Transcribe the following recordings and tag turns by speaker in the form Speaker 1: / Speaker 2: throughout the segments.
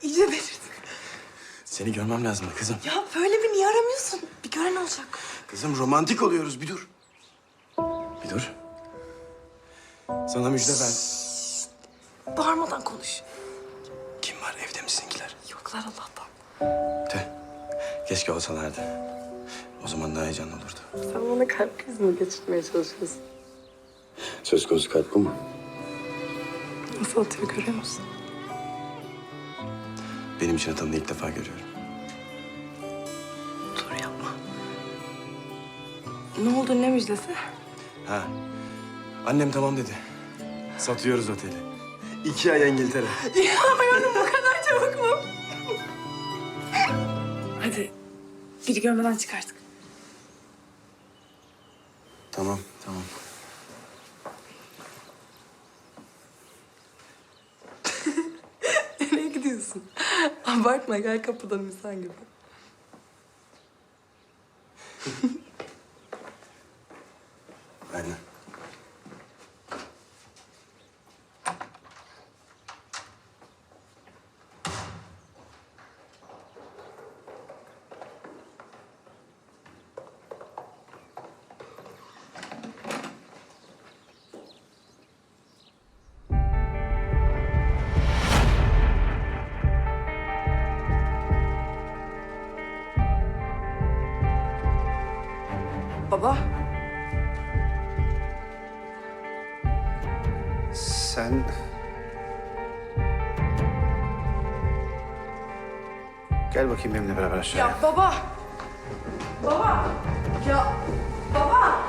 Speaker 1: iyice delirdin.
Speaker 2: Seni görmem lazım kızım.
Speaker 1: Ya böyle bir niye aramıyorsun? Bir gören olacak.
Speaker 2: Kızım romantik oluyoruz, bir dur. Bir dur. Sana müjde ver.
Speaker 1: Bağırmadan konuş.
Speaker 2: Kim var, evde mi sizinkiler?
Speaker 1: Yoklar Allah'tan.
Speaker 2: Tüh. Keşke olsalardı. O zaman daha heyecanlı olurdu.
Speaker 1: Sen bana kalp krizi mi geçirmeye çalışıyorsun?
Speaker 2: Söz konusu kalp bu mu?
Speaker 1: Nasıl atıyor görüyor musun?
Speaker 2: Benim için atanını ilk defa görüyorum.
Speaker 1: Dur yapma. Ne oldu, ne müjdesi?
Speaker 2: Ha. Annem tamam dedi. Satıyoruz oteli. 2 ay İngiltere.
Speaker 1: İnanmıyorum, bu kadar çabuk mu? Hadi, biri görmeden çıkarttık.
Speaker 2: Tamam, tamam.
Speaker 1: Nereye gidiyorsun? Abartma, gel kapıdan insan gibi.
Speaker 2: Aynen.
Speaker 1: Baba,
Speaker 3: Sen... Gel bakayım benimle beraber aşağıya.
Speaker 1: ya baba! Baba! Ya baba!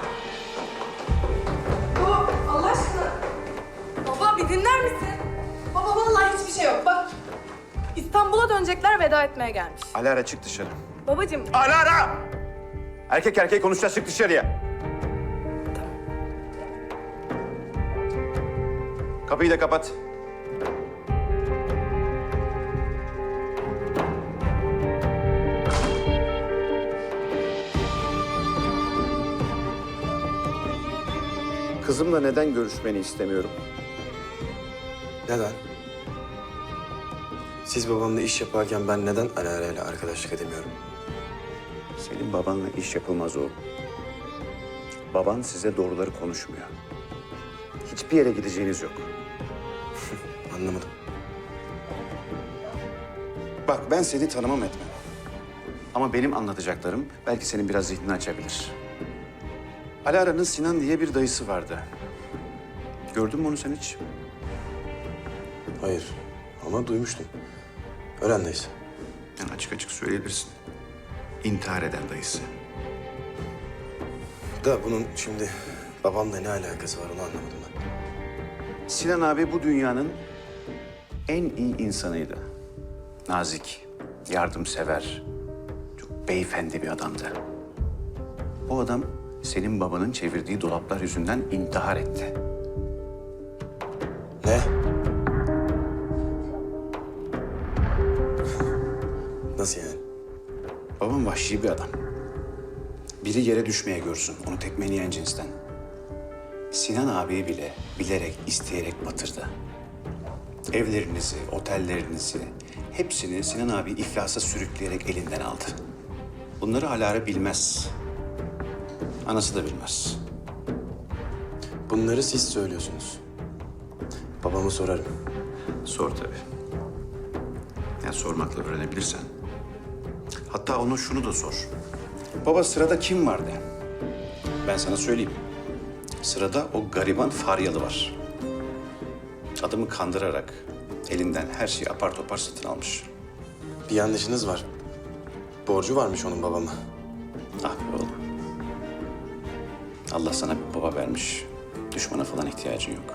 Speaker 1: Baba, Allah aşkına! Baba bir dinler misin? Baba vallahi hiçbir şey yok. Bak, İstanbul'a dönecekler, veda etmeye gelmiş.
Speaker 3: Alara çık dışarı.
Speaker 1: Babacığım,
Speaker 3: Alara! Erkek erkeğe konuşacağız, çık dışarıya. Kapıyı da kapat. Kızımla neden görüşmeni istemiyorum?
Speaker 2: Neden? Siz babamla iş yaparken ben neden Alara ile arkadaşlık edemiyorum?
Speaker 3: Senin babanla iş yapılmaz oğlum. Baban size doğruları konuşmuyor. Hiçbir yere gideceğiniz yok.
Speaker 2: Anlamadım.
Speaker 3: Bak ben seni tanımam etmem. Ama benim anlatacaklarım belki senin biraz zihnini açabilir. Alara'nın Sinan diye bir dayısı vardı. Gördün mü onu sen hiç?
Speaker 2: Hayır ama duymuştum. Ölen dayısı.
Speaker 3: Yani açık açık söyleyebilirsin. İntihar eden dayısı.
Speaker 2: Da bunun şimdi babamla ne alakası var onu anlamadım ben.
Speaker 3: Sinan abi bu dünyanın en iyi insanıydı. Nazik, yardımsever, çok beyefendi bir adamdı. O adam senin babanın çevirdiği dolaplar yüzünden intihar etti.
Speaker 2: Ne? Nasıl yani?
Speaker 3: Babam vahşi bir adam. Biri yere düşmeye görsün, onu tekmeleyen cinsten. Sinan abiyi bile bilerek, isteyerek batırdı. Evlerinizi, otellerinizi, hepsini Sinan abi iflasa sürükleyerek elinden aldı. Bunları Alara bilmez. Anası da bilmez.
Speaker 2: Bunları siz söylüyorsunuz. Babama sorarım.
Speaker 3: Sor tabii. Yani sormakla öğrenebilirsen. Hatta ona şunu da sor. Baba sırada kim vardı? Ben sana söyleyeyim. Sırada o gariban Faryalı var. Adamı kandırarak elinden her şeyi apar topar satın almış.
Speaker 2: Bir yanlışınız var. Borcu varmış onun babama.
Speaker 3: Ah be oğlum. Allah sana bir baba vermiş. Düşmana falan ihtiyacın yok.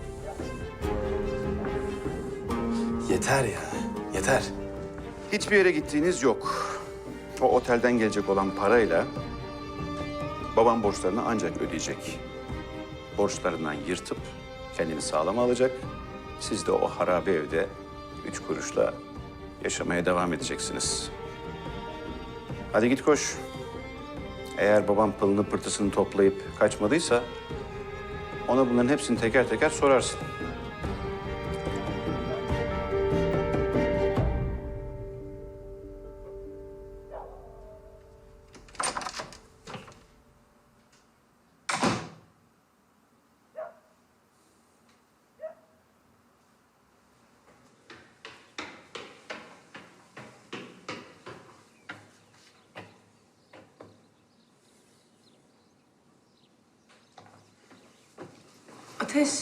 Speaker 2: Yeter ya, yeter.
Speaker 3: Hiçbir yere gittiğiniz yok. O otelden gelecek olan parayla babam borçlarını ancak ödeyecek. Borçlarından yırtıp kendini sağlam alacak. Siz de o harabe evde 3 kuruşla yaşamaya devam edeceksiniz. Hadi git koş. Eğer babam pılını pırtısını toplayıp kaçmadıysa ona bunların hepsini teker teker sorarsın.
Speaker 1: Ateş.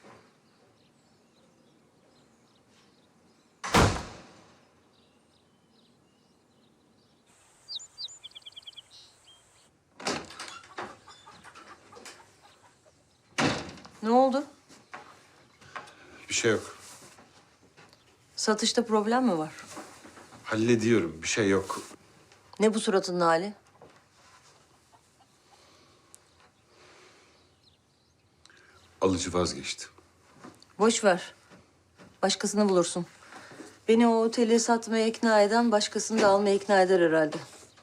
Speaker 4: Ne oldu?
Speaker 5: Bir şey yok.
Speaker 4: Satışta problem mi var?
Speaker 5: Hallediyorum. Bir şey yok.
Speaker 4: Ne bu suratının hali?
Speaker 5: Alıcı vazgeçti.
Speaker 4: Boş ver. Başkasını bulursun. Beni o oteli satmaya ikna eden başkasını da almaya ikna eder herhalde.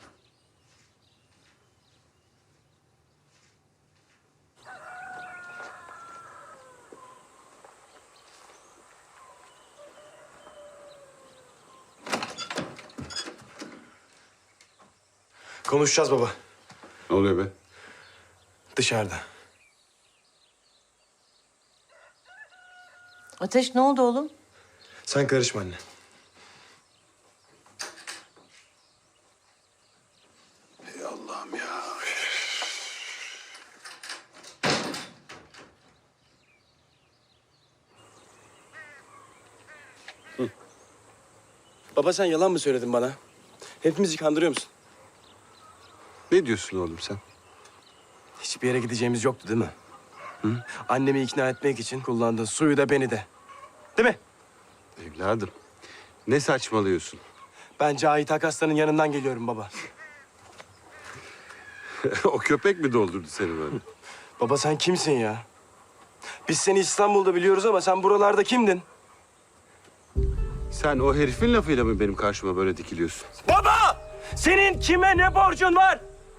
Speaker 2: Konuşacağız baba.
Speaker 5: Ne oluyor be?
Speaker 2: Dışarıda.
Speaker 4: Ateş ne oldu oğlum?
Speaker 2: Sen karışma anne.
Speaker 5: Ey Allah'ım ya.
Speaker 2: Baba sen yalan mı söyledin bana? Hepimizi kandırıyor musun?
Speaker 5: Ne diyorsun oğlum sen?
Speaker 2: Hiçbir yere gideceğimiz yoktu değil mi? Hı? Annemi ikna etmek için kullandın suyu da beni de. Değil mi?
Speaker 5: Evladım. Ne saçmalıyorsun?
Speaker 2: Ben Cahit Akaslan'ın yanından geliyorum baba.
Speaker 5: O köpek mi doldurdu seni böyle?
Speaker 2: Baba sen kimsin ya? Biz seni İstanbul'da biliyoruz ama sen buralarda kimdin?
Speaker 5: Sen o herifin lafıyla mı benim karşıma böyle dikiliyorsun?
Speaker 2: Baba! Senin kime ne borcun var?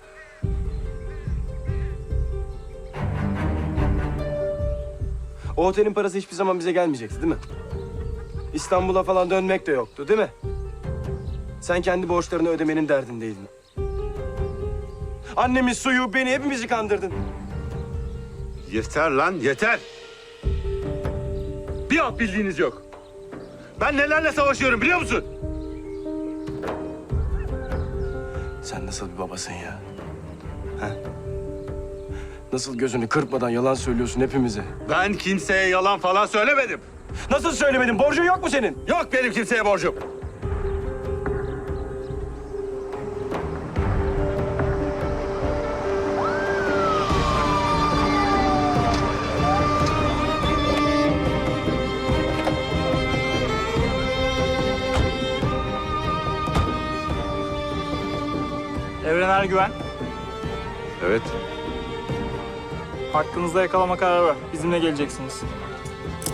Speaker 2: O otelin parası hiçbir zaman bize gelmeyecekti değil mi? İstanbul'a falan dönmek de yoktu değil mi? Sen kendi borçlarını ödemenin derdindeydin. Annemin suyu, beni, hepimizi kandırdın.
Speaker 5: Yeter lan, yeter! Bir alt bildiğiniz yok. Ben nelerle savaşıyorum biliyor musun?
Speaker 2: Sen nasıl bir babasın ya? Ha? Nasıl gözünü kırpmadan yalan söylüyorsun hepimize?
Speaker 5: Ben kimseye yalan falan söylemedim.
Speaker 2: Nasıl söylemedin? Borcun yok mu senin?
Speaker 5: Yok benim kimseye borcum.
Speaker 6: Evren Ergüven,
Speaker 5: Evet.
Speaker 6: hakkınızda yakalama kararı var. Bizimle geleceksiniz.